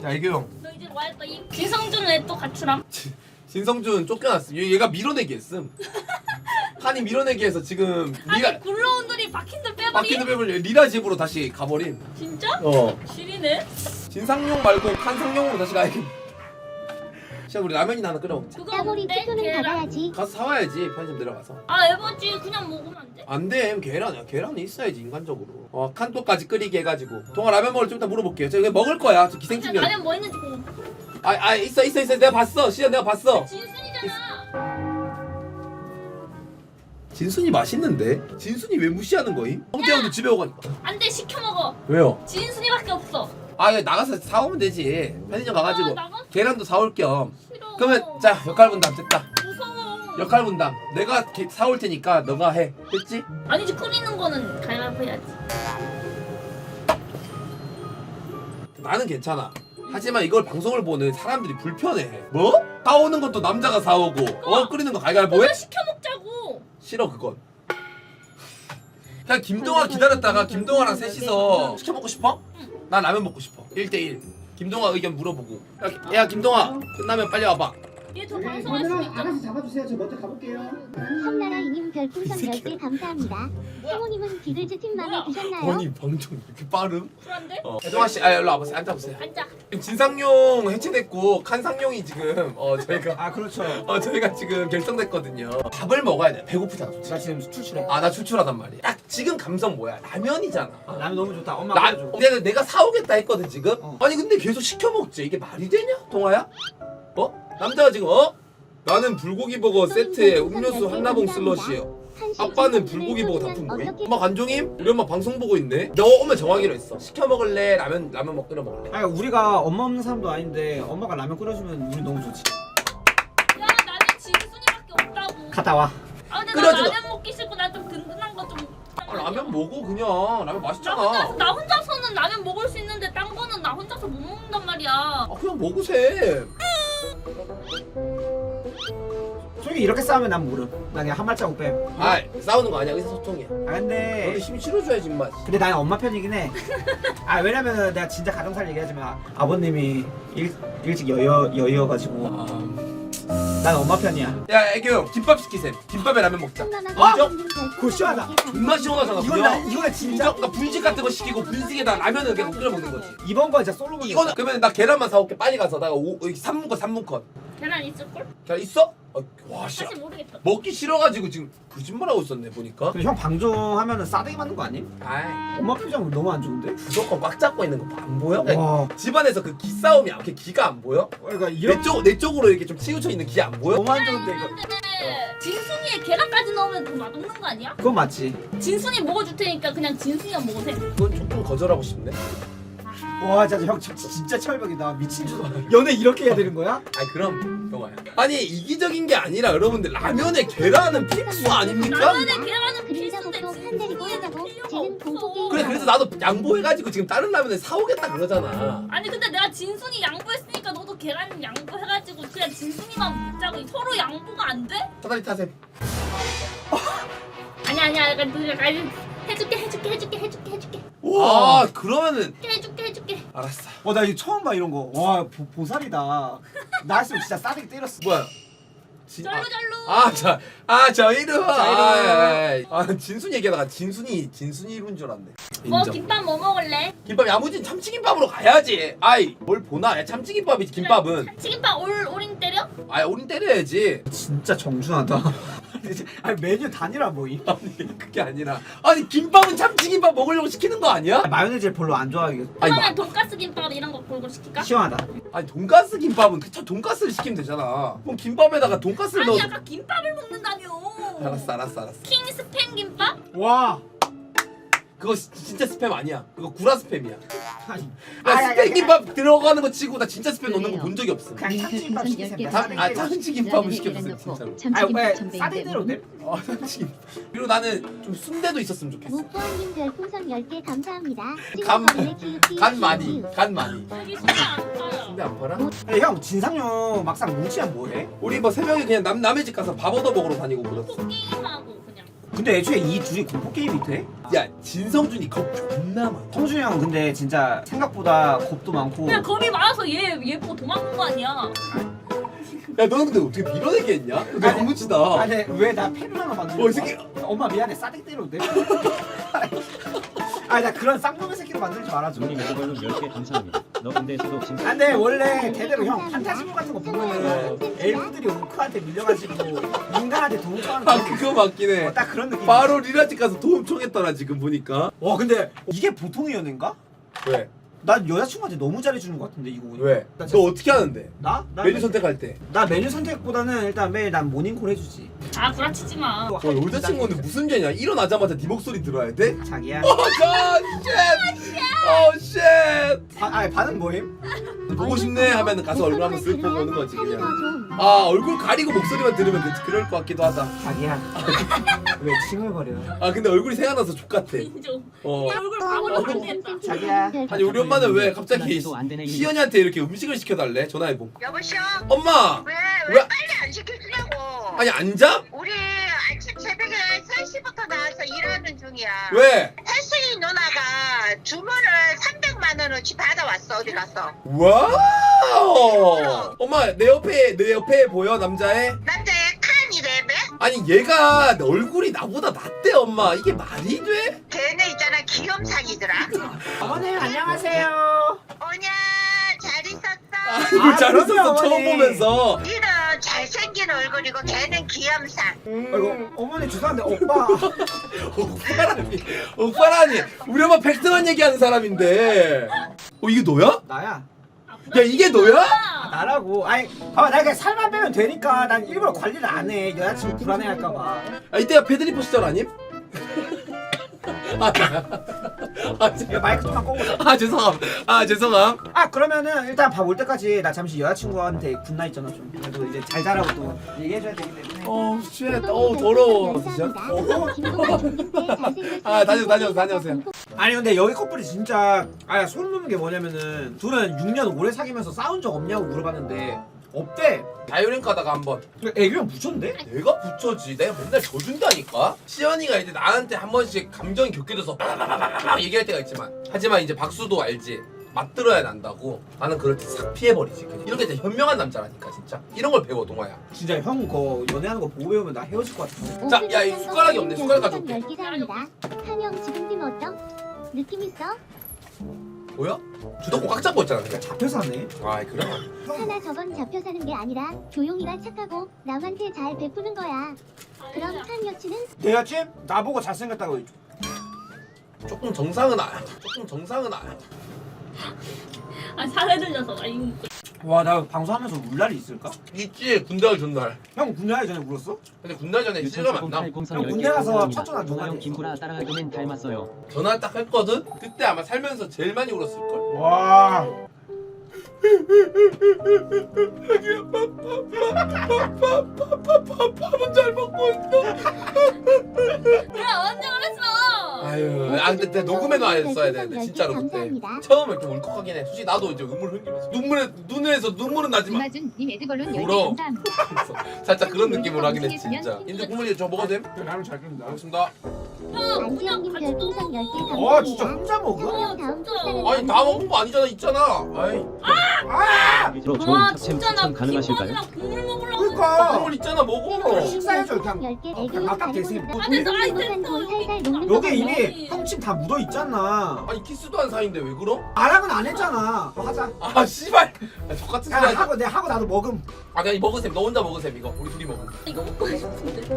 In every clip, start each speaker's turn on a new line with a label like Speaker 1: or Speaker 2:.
Speaker 1: 자 애교형.
Speaker 2: 너 이제 뭐 할 거야? 진성준은 왜 또 가출함?
Speaker 1: 진성준 쫓겨났음. 얘가 밀어내기 했음. 칸이 밀어내기 해서 지금
Speaker 2: 아니 굴러온 돌이 박힌돌 빼버리?
Speaker 1: 바퀴도 빼버려. 리라 집으로 다시 가버림.
Speaker 2: 진짜? 지리네?
Speaker 1: 진상용 말고 칸상용으로 다시 가야겠. 시작 우리 라면이나 하나 끓여 먹자.
Speaker 2: 그거
Speaker 3: 따보리
Speaker 2: 뭔데?
Speaker 3: 투표는
Speaker 2: 계란?
Speaker 3: 받아야지.
Speaker 1: 가서 사와야지 편의점 내려가서.
Speaker 2: 아 에버지 그냥 먹으면 안 돼?
Speaker 1: 안돼 계란이야. 계란이 있어야지 인간적으로. 칸또까지 끓이게 해가지고. 동아 라면 먹을 좀 이따 물어볼게요. 저 이거 먹을 거야. 저 기생충이야.
Speaker 2: 라면 뭐 있는지 보고.
Speaker 1: 있어. 내가 봤어. 시연 내가 봤어.
Speaker 2: 진순이잖아.
Speaker 1: 진순이 맛있는데? 진순이 왜 무시하는 거임? 홍태형도 집에 오가니까.
Speaker 2: 안돼 시켜 먹어.
Speaker 1: 왜요?
Speaker 2: 진순이밖에 없어.
Speaker 1: 야, 나가서 사오면 되지. 편의점 가가지고
Speaker 2: 나가서
Speaker 1: 계란도 사올 겸.
Speaker 2: 싫어.
Speaker 1: 그러면 자 역할 분담 됐다.
Speaker 2: 무서워.
Speaker 1: 역할 분담. 내가 사올 테니까 너가 해. 됐지?
Speaker 2: 아니지 끓이는 거는 가위바위보 해야지.
Speaker 1: 나는 괜찮아. 하지만 이걸 방송을 보는 사람들이 불편해. 뭐? 사오는 것도 남자가 사오고 끓이는 거 가위바위보 해?
Speaker 2: 그거 시켜 먹자고.
Speaker 1: 싫어 그건. 그냥 김동아 기다렸다가 김동아랑 셋이서 시켜 먹고 싶어? 난 라면 먹고 싶어. 1대1. 김동아 의견 물어보고. 야 김동아 끝나면 빨리 와봐.
Speaker 2: 얘 저
Speaker 4: 네,
Speaker 2: 방송할 수
Speaker 4: 그러면
Speaker 2: 있잖아.
Speaker 4: 아가씨 잡아주세요. 저 먼저 가볼게요.
Speaker 3: 성나라이님 별풍선
Speaker 1: 이 새끼야.
Speaker 3: 10개 감사합니다. 성우님은 디글즈 팀 맘에 드셨나요?
Speaker 1: 아니 방송 이렇게 빠름?
Speaker 2: 쿨한데?
Speaker 1: 혜동아 씨, 일로 와보세요. 앉아보세요.
Speaker 2: 앉아.
Speaker 1: 진상용 해체됐고 칸상용이 지금 저희가
Speaker 4: 아 그렇죠.
Speaker 1: 저희가 지금 결정됐거든요. 밥을 먹어야 돼. 배고프잖아. 솔직히.
Speaker 4: 나 지금 출출해.
Speaker 1: 나 출출하단 말이야. 딱 지금 감성 뭐야? 라면이잖아.
Speaker 4: 라면 너무 좋다. 엄마 끓여줘.
Speaker 1: 내가 사오겠다 했거든 지금.
Speaker 4: 어.
Speaker 1: 아니 근데 계속 시켜 먹지. 이게 말이 되냐, 동아야? 남자가 지금 나는 불고기 버거 세트에 음료수 한라봉 슬러시요. 아빠는 불고기 버거 단품 뭐임? 엄마 간종임? 우리 엄마 방송 보고 있네. 너 오면 정하기로 했어. 시켜 먹을래? 라면 먹 끓여 먹을래?
Speaker 4: 아니 우리가 엄마 없는 사람도 아닌데 엄마가 라면 끓여주면 우리 너무 좋지.
Speaker 2: 야 나는 진순이밖에 없다고.
Speaker 4: 갔다 와.
Speaker 2: 아 근데
Speaker 1: 끓여줘.
Speaker 2: 나 라면 먹기 싫고 나 좀 든든한 거 좀.
Speaker 1: 라면 먹어 그냥. 라면 맛있잖아.
Speaker 2: 나 혼자서는 라면 먹을 수 있는데 딴 거는 나 혼자서 못 먹는단 말이야.
Speaker 1: 그냥 먹으세.
Speaker 4: 솔직히 이렇게 싸우면 난 모름. 나 그냥 한 발자국 뺨.
Speaker 1: 싸우는 거 아니야. 의사소통이야. 너는
Speaker 4: 근데
Speaker 1: 힘 실어줘야지 임마.
Speaker 4: 나는 엄마 편이긴 해. 왜냐면 내가 진짜 가정살 얘기하지만 아버님이 일찍 여의어가지고 난 엄마 편이야.
Speaker 1: 야 애교 김밥 시키셈. 김밥에 라면 먹자.
Speaker 4: 그거 시원하다.
Speaker 1: 존나 시원하잖아.
Speaker 4: 이거는 진짜
Speaker 1: 그러니까 분식 같은 거 시키고 분식에다 라면을 그냥 끓여 먹는 거지.
Speaker 4: 이번 거 진짜 솔로
Speaker 1: 이거는 그러면 나 계란만 사올게. 빨리 가서 나 3분 컷.
Speaker 2: 계란 있을걸?
Speaker 1: 계란 있어? 와 씨.
Speaker 2: 사실 모르겠다.
Speaker 1: 먹기 싫어가지고 지금 거짓말하고 있었네 보니까.
Speaker 4: 근데 형 방종하면은 싸대기 맞는 거 아님?
Speaker 1: 아이
Speaker 4: 엄마 표정 너무 안 좋은데?
Speaker 1: 무조건 꽉 잡고 있는 거 안 보여?
Speaker 4: 와.
Speaker 1: 집안에서 그 기싸움이 이렇게 기가 안 보여?
Speaker 4: 그러니까 이런
Speaker 1: 내 쪽으로 이렇게 좀 치우쳐 있는 기 안 보여?
Speaker 4: 너무 안 좋은데 이거.
Speaker 2: 근데 진순이에 계란까지 넣으면 더 맛없는 거 아니야?
Speaker 4: 그건 맞지.
Speaker 2: 진순이 먹어줄 테니까 그냥 진순이가 먹으세.
Speaker 1: 그건 조금 거절하고 싶네.
Speaker 4: 와 진짜 형 진짜 철벽이다. 미친 줄. 연애 이렇게 해야 되는 거야?
Speaker 1: 그럼 동아야. 아니 이기적인 게 아니라 여러분들 라면에 계란은 필수 아닙니까?
Speaker 2: 라면에 계란은
Speaker 3: 그림자
Speaker 2: 필수인데
Speaker 3: 복도 한 대리고 하자고
Speaker 2: 필요가
Speaker 3: 쟤는
Speaker 2: 없어.
Speaker 3: 공포게임
Speaker 1: 그래 그래서 나도 양보해가지고 지금 다른 라면을 사오겠다 그러잖아.
Speaker 2: 아니 근데 내가 진순이 양보했으니까 너도 계란 양보해가지고 그냥 진순이만 먹자고. 서로 양보가 안 돼?
Speaker 1: 사다리 타셈.
Speaker 2: 아니야 내가 해줄게.
Speaker 1: 그러면은
Speaker 2: 해줄게.
Speaker 1: 알았어.
Speaker 4: 나 이거 처음 봐 이런 거. 와 보살이다. 나 했으면 진짜 싸대기 때렸어.
Speaker 1: 뭐야?
Speaker 2: 절로.
Speaker 1: 저 이름.
Speaker 4: 이름.
Speaker 1: 진순이 얘기하다가 진순이 이룬 줄 알았네.
Speaker 2: 뭐
Speaker 1: 인정.
Speaker 2: 김밥 뭐 먹을래?
Speaker 1: 김밥 야무진 참치김밥으로 가야지. 뭘 보나? 야 참치김밥이지 김밥은.
Speaker 2: 치김밥 올인 때려?
Speaker 1: 우린 때려야지.
Speaker 4: 진짜 정준하다. 아니 메뉴 단일화 뭐임?
Speaker 1: 아니 그게 아니라 김밥은 참치김밥 먹으려고 시키는 거 아니야?
Speaker 4: 마요네즈 별로 안 좋아하겠어.
Speaker 2: 그러면 돈가스 김밥 이런 거 골고 시킬까?
Speaker 4: 시원하다.
Speaker 1: 돈가스 김밥은 돈가스를 시키면 되잖아. 그럼 김밥에다가 돈가스를
Speaker 2: 아니
Speaker 1: 넣어.
Speaker 2: 아까 김밥을 먹는다며.
Speaker 1: 알았어.
Speaker 2: 킹 스팸 김밥?
Speaker 4: 와.
Speaker 1: 그거 진짜 스팸 아니야. 그거 구라 스팸이야.
Speaker 4: 아니.
Speaker 1: 나 스팸 김밥 들어가는 거 치고 나 진짜 스팸 넣는 거 본 적이 없어.
Speaker 4: 그냥 참치김밥 시키세요.
Speaker 1: 참치김밥을 시켰어 진짜로.
Speaker 4: 왜 싸대기로 내?
Speaker 1: 참치김밥. 그리고 나는 좀 순대도 있었으면 좋겠어.
Speaker 3: 무부원님 별풍선 10개 감사합니다.
Speaker 1: 간 많이.
Speaker 2: 여기 순대 안 팔아.
Speaker 1: 순대 안 팔아?
Speaker 4: 아니, 형 진상용 막상 뭉치면 뭐해?
Speaker 1: 우리 뭐 새벽에 그냥 남의 집 가서 밥 얻어 먹으러 다니고 그랬어.
Speaker 2: 게임하고 그냥.
Speaker 4: 근데 애초에 이 둘이 공포 게임이 돼?
Speaker 1: 야 진성준이 겁 존나 많아.
Speaker 4: 성준이 형 근데 진짜 생각보다 겁도 많고.
Speaker 2: 그냥 겁이 많아서 얘 보고 도망간 거 아니야.
Speaker 1: 야 너는 근데 어떻게 밀어내게 했냐? 너
Speaker 4: 아니,
Speaker 1: 야무지다.
Speaker 4: 아니 왜나 팬이랑만 만드는
Speaker 1: 어, 이 새끼.
Speaker 4: 엄마 미안해 싸대기 때려도 돼? 아니 나 그런 쌍놈의 새끼로 만들지 말아줘.
Speaker 5: 눈이 매걸로 10개 감사합니다. 너 근데 저도 진짜
Speaker 4: 아, 근데 원래 대대로 형 판타지물 같은 거 보면은 엘프들이 오크한테 밀려가지고 인간한테 도움 청하는
Speaker 1: 아 그거 맞긴 해.
Speaker 4: 딱 그런 느낌.
Speaker 1: 바로 리라집 가서 도움 청했더라 지금 보니까.
Speaker 4: 와 근데 이게 보통의 연애인가?
Speaker 1: 왜?
Speaker 4: 난 여자친구한테 너무 잘해주는 것 같은데 이거 보니까.
Speaker 1: 왜?
Speaker 4: 나
Speaker 1: 너 어떻게 하는데?
Speaker 4: 나?
Speaker 1: 메뉴 선택할 때.
Speaker 4: 나 메뉴 선택보다는 일단 매일 난 모닝콜 해주지.
Speaker 2: 아 구라치지 마.
Speaker 1: 너 여자친구는 무슨 죄냐? 일어나자마자 네 목소리 들어야 돼?
Speaker 4: 자기야.
Speaker 1: 오 쉣! 오 쉣!
Speaker 4: 아니 반응 뭐임?
Speaker 1: 보고 싶네 하면 가서 얼굴 한번 쓱 보고 오는 거지 그냥.
Speaker 3: 좀.
Speaker 1: 아 얼굴 가리고 목소리만 들으면 그럴 것 같기도 하다.
Speaker 4: 자기야. 왜 칭얼거려?
Speaker 1: 아 근데 얼굴이 생각나서 족같아.
Speaker 2: 인정.
Speaker 1: 어.
Speaker 2: 내 얼굴 바보로 만들겠다.
Speaker 4: 자기야.
Speaker 1: 아니 우리 엄마는 왜 갑자기
Speaker 5: 또 안 되네,
Speaker 1: 시연이한테 이렇게 음식을 시켜달래? 전화해보.
Speaker 6: 여보시오?
Speaker 1: 엄마!
Speaker 6: 왜
Speaker 1: 왜?
Speaker 6: 빨리 안 시켜주냐고.
Speaker 1: 아니 앉아?
Speaker 6: 우리 아침 새벽에 3시부터 나와서 일하는 중이야.
Speaker 1: 왜?
Speaker 6: 혜수이 누나가 주문을 300만 원어치 받아왔어. 어디 가서.
Speaker 1: 와우! 엄마 내 옆에 보여 남자애?
Speaker 6: 남자의 칸이래매?
Speaker 1: 아니 얘가 얼굴이 나보다 낫대 엄마. 이게 말이 돼?
Speaker 6: 걔네 있잖아 귀염상이더라.
Speaker 4: 어머님 안녕하세요.
Speaker 6: 오냐 잘 있었어?
Speaker 1: 아이고 잘
Speaker 4: 그럼요,
Speaker 1: 웃었어 처음
Speaker 4: 어머니.
Speaker 1: 보면서.
Speaker 6: 니는 잘생긴 얼굴이고 걔는 귀염상.
Speaker 4: 아이고 어머니 죄송한데 오빠.
Speaker 1: 오빠라니 우리 엄마 팩트만 얘기하는 사람인데. 이게 너야?
Speaker 4: 나야.
Speaker 1: 야 이게 너야?
Speaker 4: 나라고. 아니 봐봐 내가 그냥 살만 빼면 되니까 난 일부러 관리를 안 해. 여자친구 불안해할까봐.
Speaker 1: 아 이때가 패드리퍼 시절 아님?
Speaker 4: 이거 마이크 좀만 끄고.
Speaker 1: 죄송함.
Speaker 4: 아 그러면은 일단 밥 올 때까지 나 잠시 여자친구한테 굿나 있잖아 좀. 그래도 이제 잘 자라고 또 얘기해줘야 되기 때문에.
Speaker 1: 쉣. 더러워. 진짜? 다녀오세요.
Speaker 4: 아니 근데 여기 커플이 진짜 소름 돋는 게 뭐냐면은 둘은 6년 오래 사귀면서 싸운 적 없냐고 물어봤는데 없대.
Speaker 1: 다이어링 가다가 한번
Speaker 4: 애교형 붙였는데?
Speaker 1: 내가 붙여지. 내가 맨날 져준다니까. 시연이가 이제 나한테 한 번씩 감정이 격해져서 얘기할 때가 있지만, 하지만 이제 박수도 알지. 맞들어야 난다고. 나는 그럴 때 싹 피해버리지. 그냥. 이렇게 진짜 현명한 남자라니까 진짜. 이런 걸 배워 동아야.
Speaker 4: 진짜 형 거 연애하는 거 보고 배우면 나 헤어질 것 같은데.
Speaker 1: 자, 야, 이 숟가락이 없네. 숟가락 가져올게.
Speaker 3: 10개 사입니다. 한영 지금 팀 어떤? 느낌 있어?
Speaker 1: 뭐야? 주도권 꽉 잡고 있잖아 그냥.
Speaker 4: 잡혀 사네.
Speaker 1: 아이 그래.
Speaker 3: 하나 저건 잡혀 사는 게 아니라 조용히가 착하고 남한테 잘 베푸는 거야. 그럼 한 여친은
Speaker 4: 내 여친 나보고 잘생겼다고 해줘.
Speaker 1: 조금 정상은 알아.
Speaker 2: 아 사례 들려서 아 이거
Speaker 4: 와 나 방송하면서 울 날이 있을까?
Speaker 1: 있지. 군대 가기 전날.
Speaker 4: 형 군대 가기 전에 울었어?
Speaker 1: 근데 군대 가기 전에 실감 안 나.
Speaker 4: 형 군대 가서 첫 전화 누가
Speaker 5: 형
Speaker 4: 해?
Speaker 5: 김구라 따라하기는 닮았어요.
Speaker 1: 전화 딱 했거든. 그때 아마 살면서 제일 많이 울었을 걸.
Speaker 4: 와.
Speaker 1: 밥은 잘 먹고 있어.
Speaker 2: 야 언제 그랬어?
Speaker 1: 아유, 아 근데 녹음해 놔야 되는데 진짜로 그때 처음에 좀 울컥하긴 해. 솔직히 나도 이제 눈물 흘리면서 눈에서 눈물은 나지만
Speaker 7: 이마준 님 에드걸룬
Speaker 1: 울어.
Speaker 7: 10개 감사합니다.
Speaker 1: 살짝 그런 느낌으로 하긴 했지 진짜. 인제 국물이 저 먹어도 됨?
Speaker 4: 나는 잘 끓는다.
Speaker 1: 알겠습니다.
Speaker 2: 형 그냥
Speaker 3: 안지영님
Speaker 2: 같이 또
Speaker 3: 별풍선 10개
Speaker 4: 와 진짜
Speaker 3: 감사합니다.
Speaker 4: 혼자 먹어?
Speaker 2: 어,
Speaker 3: 다음
Speaker 2: 진짜.
Speaker 3: 축사는
Speaker 1: 아니 다 먹은 거 아니잖아 있잖아. 아이
Speaker 5: 밑으로 좋은
Speaker 2: 와
Speaker 5: 탑챔
Speaker 2: 진짜 나
Speaker 5: 추천 가능하실까요?
Speaker 2: 김밥이랑 국물 먹으려고
Speaker 4: 그러니까.
Speaker 1: 국물 있잖아 먹어.
Speaker 4: 식사해줘, 그냥.
Speaker 3: 10개 애교
Speaker 4: 아깝게
Speaker 3: 가리고
Speaker 4: 세.
Speaker 3: 있다.
Speaker 2: 아, 됐어. 아이,
Speaker 3: 행복한
Speaker 2: 됐어.
Speaker 3: 돈 살살 녹는
Speaker 4: 여기
Speaker 3: 거
Speaker 4: 이미 형침 다 묻어 있잖아.
Speaker 1: 아니 키스도 한 사이인데 왜 그럼?
Speaker 4: 나랑은 안 했잖아. 뭐 하자.
Speaker 1: 아 씨발. 저 같은
Speaker 4: 야
Speaker 1: 소리 하지.
Speaker 4: 하고 내가 하고 나도 먹음.
Speaker 1: 아 그냥 먹으셈. 너 혼자 먹으셈 이거. 우리 둘이 먹음.
Speaker 2: 이거 먹고 싶은데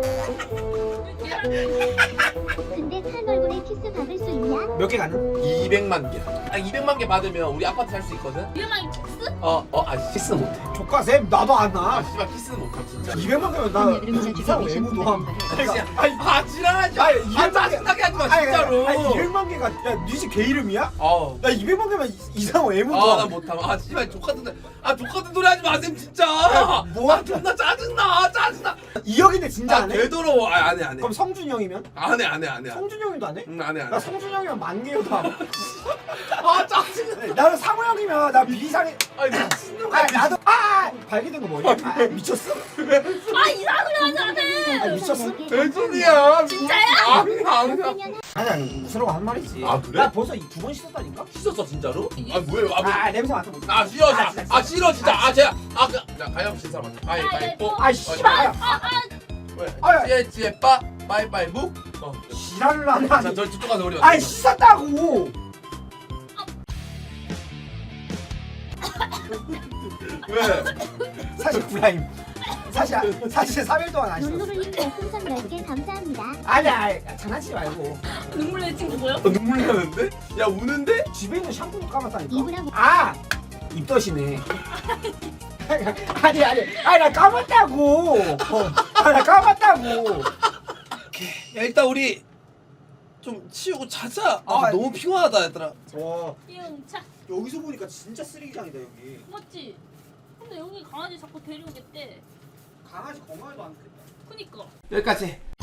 Speaker 3: 근데 한 얼굴에 키스 받을 수 있냐?
Speaker 4: 몇 개 가능?
Speaker 1: 200만 개. 아 200만 개 받으면 우리 아파트 살 수 있거든.
Speaker 2: 유명한 키스?
Speaker 1: 키스 못해.
Speaker 4: 조카쌤 나도 안
Speaker 1: 아
Speaker 4: 나.
Speaker 1: 씨발 키스는 못함 진짜.
Speaker 4: 200만 개면 나 이상 외모도 함.
Speaker 1: 아 지랄하지 마.
Speaker 4: 아니,
Speaker 1: 아 짜증나게 하지 마 진짜로.
Speaker 4: 아니 200만 개가 야니집개 이름이야?
Speaker 1: 아우.
Speaker 4: 나 200만 개면 이상 외모도
Speaker 1: 아나
Speaker 4: 함.
Speaker 1: 못함. 아 씨발 족같은데. 아 족같은 소리 하지 마셈 진짜.
Speaker 4: 뭐
Speaker 1: 아 존나 짜증나.
Speaker 4: 2억인데 진짜
Speaker 1: 아
Speaker 4: 안 해?
Speaker 1: 되도록 안 해.
Speaker 4: 그럼 성준이 형이면?
Speaker 1: 안 해.
Speaker 4: 성준이 형이도 안 해?
Speaker 1: 안 해.
Speaker 4: 나 성준이 형이면 만 개여도 함.
Speaker 1: 아 짜증나.
Speaker 4: 나는 상호 형이면 나 비상해.
Speaker 1: 아니 미친놈
Speaker 4: 아
Speaker 1: 같아.
Speaker 4: 나도 발기된 거 뭐니? 아 미쳤어?
Speaker 2: 아 이상한 소리 하지 않아
Speaker 4: 아, 미쳤어?
Speaker 1: 대준이야.
Speaker 2: 진짜야?
Speaker 1: 아니야.
Speaker 4: 아니 웃으라고 한 말이지.
Speaker 1: 아, 그래?
Speaker 4: 나 벌써 2번 씻었다니까?
Speaker 1: 씻었어 진짜로? 아 뭐예요?
Speaker 4: 아 냄새 맡아보자.
Speaker 1: 아 싫어
Speaker 4: 아,
Speaker 1: 진짜.
Speaker 4: 진짜.
Speaker 1: 아 싫어 진짜. 아 제가 자 가영 씨 사람 가위바위보.
Speaker 4: 아 씨발.
Speaker 1: 왜?
Speaker 4: 아,
Speaker 1: 찌에빠 바이바이보.
Speaker 4: 지랄을 하네.
Speaker 1: 자 저쪽 가서 우리.
Speaker 4: 아이 씻었다고.
Speaker 1: 왜?
Speaker 4: 사실 구라임. 사실 3일 동안 안 씻었어.
Speaker 3: 놀로블님 별풍선 10개 감사합니다.
Speaker 4: 아니야 장난치지 말고.
Speaker 2: 눈물 내 친구 뭐야?
Speaker 1: 눈물 나는데? 야 우는데?
Speaker 4: 집에 있는 샴푸도 감았다니까.
Speaker 3: 이브라고.
Speaker 4: 아 입덧이네. 아니 나 감았다고. 나 감았다고.
Speaker 1: 야 일단 우리 좀 치우고 자자.
Speaker 4: 아,
Speaker 1: 너무 피곤하다 얘들아.
Speaker 4: 와
Speaker 2: 이응차
Speaker 4: 여기서 보니까 진짜 쓰레기장이다 여기.
Speaker 2: 맞지? 근데 여기 강아지 자꾸 데려오겠대.
Speaker 4: 강아지 건강에도 안 좋겠다.
Speaker 2: 그니까.
Speaker 1: 여기까지.